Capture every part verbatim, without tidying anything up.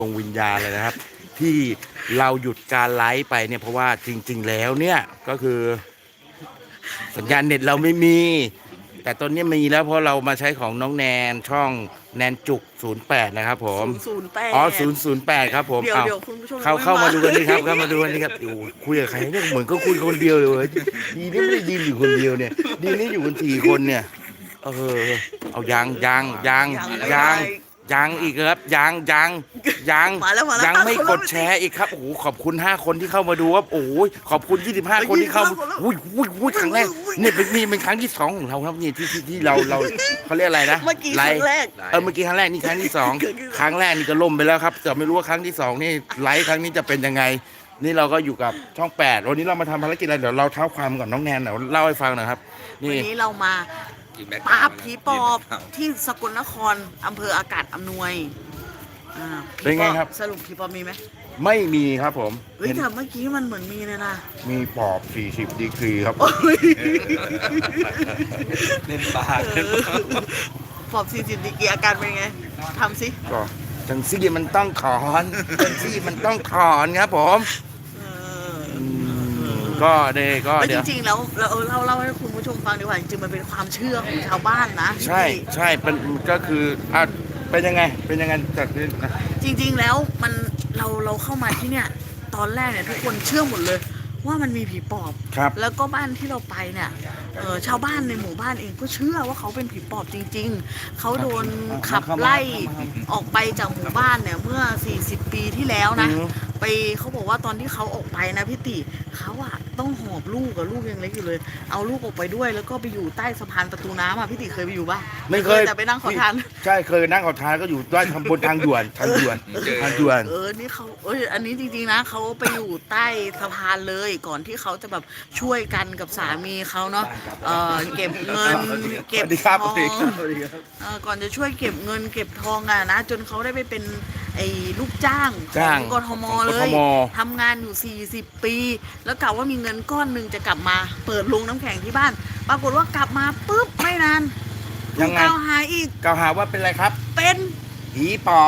ดวงวิญญาณเลยนะครับที่เราหยุดการไลฟ์ไปเนี่ยเพราะว่าจริงๆแล้วเนี่ยก็คือสัญญาณเน็ตเราไม่มี แต่ตอนนี้มีแล้วเพราะเรามาใช้ของน้องแนนช่องแนนจุกศูนย์แปดนะครับผมศูนย์แปดอ๋อศูนย์ศูนย์แปดครับผมเดี๋ยวเอาเดี๋ยวคุณผู้ชมเข้าไม่เข้ามามาดูกันนี่ครับเข้ามาดูกันนี่ครับโอ้คุยกับใครเนี่ยเหมือนก็คุยคนเดียวเลยดีนี่ไม่ได้ยินอยู่คนเดียวเนี่ยดีนี่อยู่กันสี่คนเนี่ยเออเอายังยังยังยังยังอีกครับยังยังยังมาแล้วมาแล้วยังไม่กดแชร์อีกครับโอ้โหขอบคุณห้าคนที่เข้ามาดูครับโอ้ยขอบคุณยี่สิบห้าคนที่เข้าอุ้ยอุ้ยอุ้ยครั้งแรกเนี่ยเป็นนี่เป็นครั้งที่สองของเราครับนี่ที่ที่ที่เราเราเขาเรียกอะไรนะเมื่อกี้ครั้งแรกเออเมื่อกี้ครั้งแรกนี่ครั้งที่สองครั้งแรกนี่ก็ล่มไปแล้วครับแต่ไม่รู้ว่าครั้งที่สองนี่ไลฟ์ครั้งนี้จะเป็นยังไงนี่เราก็อยู่กับช่องแปดวันนี้เรามาทำภารกิจอะไรเดี๋ยวเราเท้าความก่อนน้องแนนเดี๋ยวเล่าให้ฟังหน่อยครับวันนี่นี้เรามาปราบผีปอบที่สกลนครอำเภออากาศอำนวยอ่าผีเป็นไงครับสรุปผีปอบมีไหมไม่มีครับผมเฮ้ยเห็นแต่เมื่อกี้มันเหมือนมีเลยนะมีปอบสี่สิบดีกรีครับเล่นปลาปอบสี่สิบดีกรีอาการเป็นไงทำสิก็จังซี่มันต้องถอนจังซี่มันต้องถอนครับผมเอออืมก็เดก็แล้วจเดี๋ยวริงๆแล้วเราเออเล่าเล่าให้คุณผู้ชมฟังดีกว่าจริงๆมันเป็นความเชื่อของชาวบ้านนะใช่ใช่เป็นก็คืออ่ะเป็นยังไงเป็นยังไงจากนี้นะจริงๆแล้วมันเราเราเข้ามาที่เนี่ยตอนแรกเนี่ยทุกคนเชื่อหมดเลย ว่ามันมีผีปอบครับแล้วก็บ้านที่เราไปเนี่ยเออชาวบ้านในหมู่บ้านเองก็เชื่อว่าเขาเป็นผีปอบจริงๆ เขาโดนขับไล่ออกไปจากหมู่บ้านเนี่ยเมื่อสี่สิบปีที่แล้วนะอืมไปเขาบอกว่าตอนที่เขาออกไปนะพี่ติเขาอะต้องหอบลูกกับลูกยังเล็กอยู่เลย เอาลูกออกไปด้วยแล้วก็ไปอยู่ใต้สะพานประตูน้ำอะพี่ติเคยไปอยู่ปะไม่เคยแต่ไปนั่งขอทานใช่เคยนั่งขอทานก็อยู่ด้านทางบนทางด่วนทางด่วนทางด่วนเออ นี่เขาเอออันนี้จริงๆนะเขาไปอยู่ใต้สะพานเลยก่อนที่เขาจะแบบช่วยกันกับสามีเขาเนาะ เออเก็บเงินเก็บสวัสดีครับทองสวัสดีครับสวัสดีครับเออก่อนจะช่วยเก็บเงินเก็บทองอะนะ จนเขาได้ไปเป็นไอ้ลูกจ้างขจ้าอง งกทมของเลกทยมทำงานอยู่สี่สิบปี แล้วกะว่ามีเงินก้อนหนึ่งจะกลับมา เปิดโรงน้ำแข็งที่บ้าน ปรากฏว่ากลับมาปุ๊บไม่นานยังไงถูกกล่าวหาอีกกล่าวหาว่าเป็นอะไรครับเป็นผีปอบ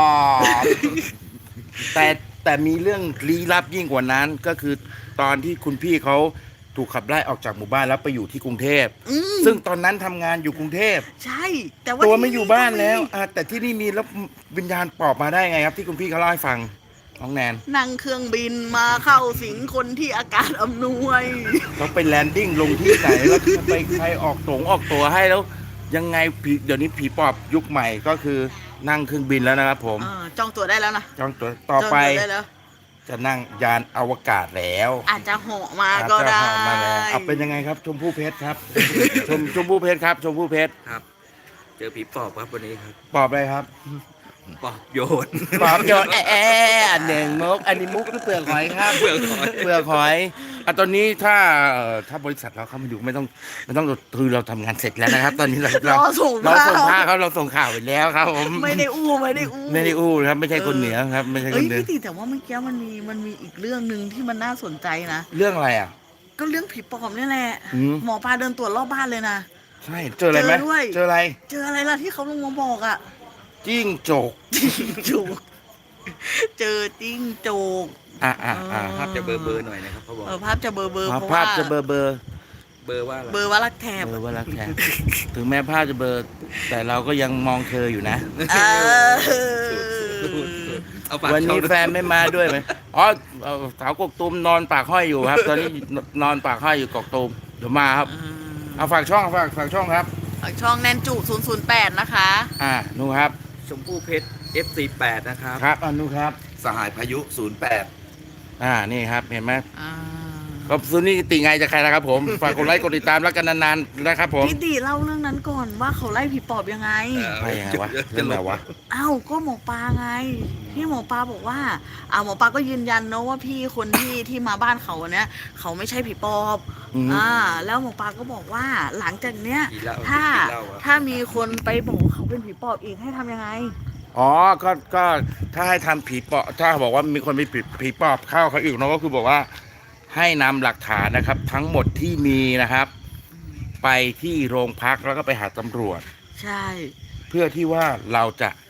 แต่แต่มีเรื่องลี้ลับยิ่งกว่านั้นก็คือตอนที่คุณพี่เขาถูกขับไล่ออกจากหมู่บ้านแล้วไปอยู่ที่กรุงเทพอืมซึ่งตอนนั้นทำงานอยู่กรุงเทพใช่ แต่ว่าตัวไม่ที่อยู่บ้านแล้วก็มีอ่ะแต่ที่นี่มีแล้ววิญญาณปอบมาได้ไงครับที่คุณพี่เขาเล่าให้ฟังน้องแนนนั่งเครื่องบินมาเข้าสิงคนที่อากาศอำนวยเขาไปแลนดิ้งลงที่ไหนแล้วไปใครออกตรงออกตัวให้แล้ว ยังไงผีเดี๋ยวนี้ผีปอบยุคใหม่ก็คือนั่งเครื่องบินแล้วนะครับผมเออจองตั๋วได้แล้วนะจองตัวต่อไปจงตั๋วได้แล้วจะนั่งยานอวกาศแล้วอาจจะเหาะมาอาจก็จะได้เหาะมาแล้วเอาเป็นยังไงครับ ชมพู่เพชรครับ ชมชมพู่เพชรครับชมพู่เพชรครับ เจอผีปอบครับวันนี้ครับปอบอะไรครับปอบโยนปอบโยนแอะแอะหนึ่งมุกอันนี้มุกหรือเปลือกหอยครับเปลือกหอยเปลือกหอยอ่ะตอนนี้ถ้าเอ่อถ้าบริษัทเราเข้ามาดูไม่ต้องไม่ต้องคือเราทำงานเสร็จแล้วนะครับ ตอนนี้เรารอส่งเราภาส่งพภาพครับเราส่งข่าวไปแล้วครับผมไม่ได้อู้ไม่ได้อู้ไม่ได้อู้ครับไม่ใช่คนเหนือครับไม่ใช่คเอ้ยนเหนือพี่ติแต่ว่าเมื่อกี้มันมีมันมีอีกเรื่องหนึ่งที่มันน่าสนใจนะเรื่องอะไรอ่ะก็เรื่องผีปอบนี่แหละอืมหมอปลาเดินตรวจรอบบ้านเลยนะใช่เจออะไรไหมเจอด้วยเจออะไรเจออะไรล่ะที่เขาลงมาบอกอ่ะจิ้งจกจิ้งจกเจอจิ้งจกอ่ะอ่ะอ่ะภาพจะเบอร์เบอร์หน่อยนะครับเขาบอกเออภาพจะเบลอเบลอภาพเพราะภาว่าพจะเบลอเบลอเบอร์ว่าอะไรเบลอว่ารักแถบเบลอว่ารักแท้ถึงแม้ภาพจะเบลอแต่เราก็ยังมองเธออยู่นะเออเอาปากวันนี้เข้าแฟนไม่มาด้วยไหมอ๋อเอ่อสาวกกตูมนอนปากห้อยอยู่ครับ ตอนนี้นอนปากห้อยอยู่กกตูมเดี๋ยวมาครับ เอาฝากช่องฝากฝากช่องครับฝากช่องแนนจุศูนย์ศูนย์แปดนะคะอ่านู่นครับชมพู่เพชร เอฟ ซี แปดนะครับครับอ่านู่นครับสหายพายุ ศูนย์แปดอ่านี่ครับเห็นไหมอ่าก็ซุนี่ติไงจะใครนะครับผมฝากกดไลค์กดติดตามแล้วกันนานๆนะครับผมพี่ติเล่าเรื่องนั้นก่อนว่าเขาไล่ผีปอบยังไงไปยังไงวะเรื่องอะไรวะอ้าวก็หมอปลาไงที่หมอปลาบอกว่าอ่าหมอปลาก็ยืนยันเนอะว่าพี่คนที่ที่มาบ้านเขาเนี้ยเขาไม่ใช่ผีปอบอืมอ่าแล้วหมอปลาก็บอกว่าหลังจากเนี้ยผีเหล้าถ้าผีเหล้าอะถ้ามีคนไปบอกเขาเป็นผีปอบอีกให้ทำยังไงอ๋อก็ก็ถ้าให้ทำผีปอบถ้าบอกว่ามีคนมีผีผีปอบเข้าเขาอีกเนาะก็คือบอกว่าให้นำหลักฐานนะครับ ทั้งหมดที่มีนะครับ ไปที่โรงพักแล้วก็ไปหาตำรวจใช่เพื่อที่ว่าเราจะ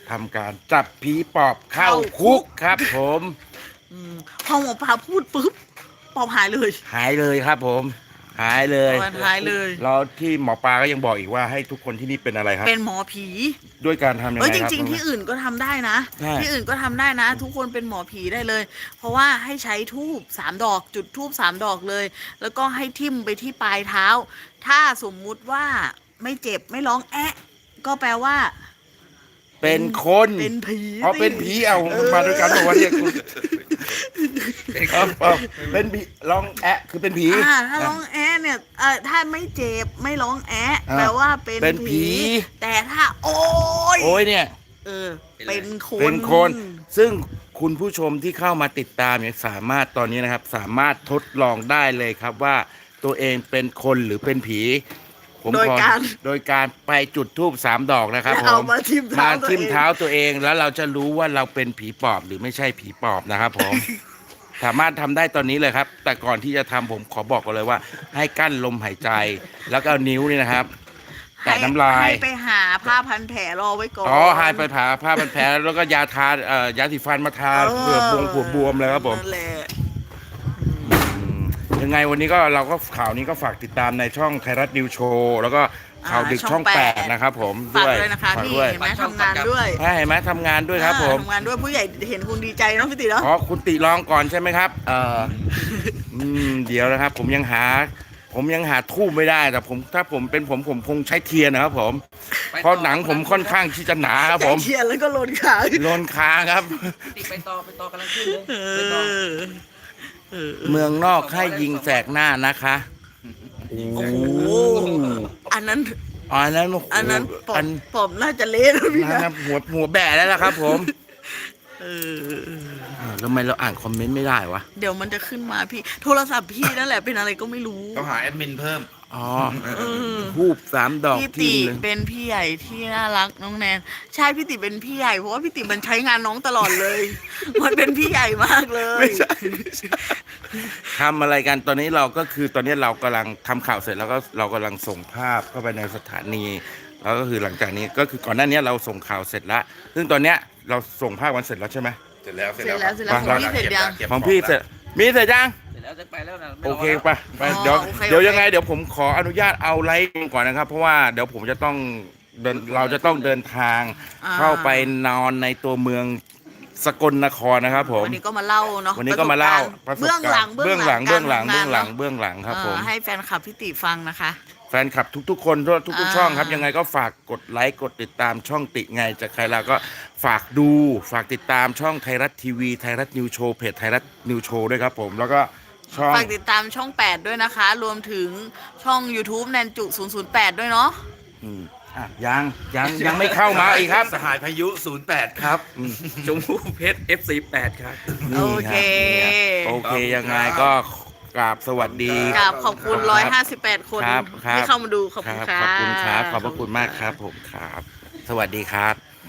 ทำการจับผีปอบเข้าคุกครับ ผมอืมพอหมอปลาพูดปุ๊บปอบหายเลยหายเลยครับ ผม หายเลยปอบหายเลยแล้วที่หมอปลาก็ยังบอกอีกว่าให้ทุกคนที่นี่เป็นอะไรครับเป็นหมอผีด้วยการทำยังไงเอ้ยคจรับริง ๆ ที่อื่นก็ทำได้นะใช่ที่อื่นก็ทำได้นะ ทุกคนเป็นหมอผีได้เลย เพราะว่าให้ใช้ทูบสามดอก จุดทูบสามดอกเลย แล้วก็ให้ทิ่มไปที่ปลายเท้า ถ้าสมมุติว่าไม่เจ็บไม่ร้องแอะก็แปลว่าเป็นคนเป็นผีอ๋อสิเป็นผีเอามาด้วยกันบอกว่าเนี่ยคุณเอาเอาเป็นผีลองแอะคือเป็นผีอ่าถ้าร้องแอะเนี่ยเอ่อถ้าไม่เจ็บไม่ร้องแอะอ่าแปลว่าเป็นเป็นผีแต่ถ้าโอ้ยโอ้ยเนี่ยเออ เป็นคนเป็นคน ซึ่งคุณผู้ชมที่เข้ามาติดตามเนี่ยสามารถตอนนี้นะครับ สามารถทดลองได้เลยครับว่าตัวเองเป็นคนหรือเป็นผี ผมโดยขอการโดยการไปจุดธูปสามดอกนะครับผเอามมาทิ่มเท้ามาตัวทิ่มเองเท้าตัวเองแล้วเราจะรู้ว่าเราเป็นผีปอบหรือไม่ใช่ผีปอบนะครับผม สามารถทำได้ตอนนี้เลยครับ แต่ก่อนที่จะทำผมขอบอกกันเลยว่า ให้กั้นลมหายใจ แล้วก็เอานิ้วนี่นะครับ แตะน้ำลายให้ไปหาผ้าพันแผลรอไว้ก่อนอ๋อหายไปผ่าผ้าพันแผลแล้วก็ยาทาเอ่อยาสีฟันมาทาเผื่อบวงผัวบวมเลยครับผมนั่นแหละอืมยังไงวันนี้ก็เราก็ข่าวนี้ก็ฝากติดตามในช่องไทยรัฐนิวโชว์แล้วก็ข่าวดึกช่องแปดนะครับผมฝากด้วยด้วยนะคะฝากนี่ด้วยเห็นไหมทำงานด้วยถ้าเห็นไหมทำงานด้วยครับผมอ่าทำงานด้วยผู้ใหญ่เห็นคุณดีใจเนาะพี่ติเนาะอ๋อคุณติลองก่อนใช่ไหมครับ เอออืมเดี๋ยวนะครับ ผมยังหา ผมยังหาทูบไม่ได้แต่ผมถ้าผมเป็นผมผมคงใช้เทียนนะครับผม เพราะหนังผมค่อนข้างที่จะหนาครับผมใจเชียร์แล้วก็โลนขาโลนคางครับติดไปต่อไปต่อกำลังขึ้นเลยเอไปต่ออเออเมืองนอกให้ยิงแสกหน้านะคะโอ้โอ้โหอันนั้นอันนั้นโโหอันนั้นปออัมนปอมน่าจะเละนะพี่นั้นนะหัวหัวแบะแล้วล่ะครับ ผมเอออ่าแล้วทำไมเราอ่านคอมเมนต์ไม่ได้วะเดี๋ยวมันจะขึ้นมาพี่ โทรศัพท์พี่นั่นแหละเป็นอะไรก็ไม่รู้ต้องหาแอดมินเพิ่มอ๋อเออทูบสามดอกพี่ที่ติหนึ่งเป็นพี่ใหญ่ที่น่ารักน้องแนนใช่พี่ติเป็นพี่ใหญ่เพราะว่าพี่ติมันใช้งานน้องตลอดเลย มันเป็นพี่ใหญ่มากเลยไม่ใช่ไม่ใช่ทำอะไรกันตอนนี้เราก็คือตอนนี้เรากำลังทำข่าวเสร็จแล้วก็เรากำลังส่งภาพเข้าไปในสถานีแล้วก็คือหลังจากนี้ก็คือก่อนหน้านี้เราส่งข่าวเสร็จแล้วซึ่งตอนเนี้ยเราส่งภาพวันเสร็จแล้วใช่ไหมเสร็จแล้วเสร็จแล้วเสร็จแล้วของพี่เสร็จยังของพี่เสร็จมีเสร็จยังเสร็จแล้วจะไปแล้วนะไม่โอรเคแล้วปะไปอ๋อเดี๋ยวโอเคเดี๋ยวโอเคยังไงเดี๋ยวผมขออนุญาตเอาไลฟ์ก่อนนะครับ เพราะว่าเดี๋ยวผมจะต้องเดินเราจะต้องเดินทางอ่าเข้าไปนอนในตัวเมืองสกลนครนะครับผมวันนี้ก็มาเล่าเนาะวันนี้ก็มาเล่าประสบการณ์เบื้องหลังเบื้องหลังการเบื้องหลังทำเบื้องหลังนเบื้องหลังครับผมเออให้แฟนคลับพี่ติฟังนะคะแฟนคลับทุกๆ คนทั่วทุกอ่าๆ ช่องครับ ยังไงก็ฝากกดไลค์กดติดตามช่องติไงจากใครเราก็ฝากดูฝากติดตามช่องไทยรัฐทีวีไทยรัฐนิวโชว์เพจไทยรัฐนิวโชว์ด้วยครับผมแล้วก็ช่องฝากติดตามช่องแปดด้วยนะคะ รวมถึงช่อง YouTube แนนจุศูนย์ศูนย์แปดด้วยเนาะอืมอ่ะยังยังยังไม่เข้ามาอีกครับสหายพายุศูนย์แปดครับชมพู่เพชร เอฟ ซี แปดครับนี่โอรับเคโอเคยังไงก็กราบสวัสดีกราบขอบคุณครับร้อยห้าสิบแปดคนครับครับที่เข้ามาดูขอบคคุณรับค่ะขอบคุณครับขอบพระคุณมากครับผมครับ สวัสดีครับ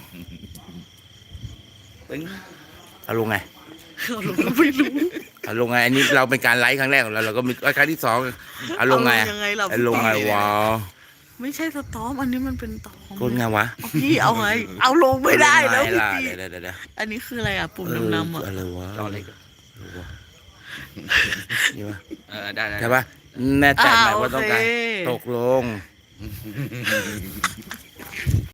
ตึ้งเอาลงไงไม่รู้เอาลงไงอันนี้เราเป็นการไลฟ์ครั้งแรกของเราเราก็มีครั้งที่สองเอาลงไงเอาลงยังไงเราเอาลงไงวะไม่ใช่สตอมอันนี้มันเป็นตอมคนไงวะเอาพี่เอาไง เอาลงไม่ได้แล้วเอาพี่ลงไงล่ะติเดี๋ยวเดี๋ยวเดี๋ยวอันนี้คืออะไรอ่ะ ปุ่มเออดำๆอ่ะอะไรวะต่อเลยอะไรวะนี่วะเออได้ได้ใช่ปะแน่ใจไหมอ่าว่าต้องการโอเคตกลง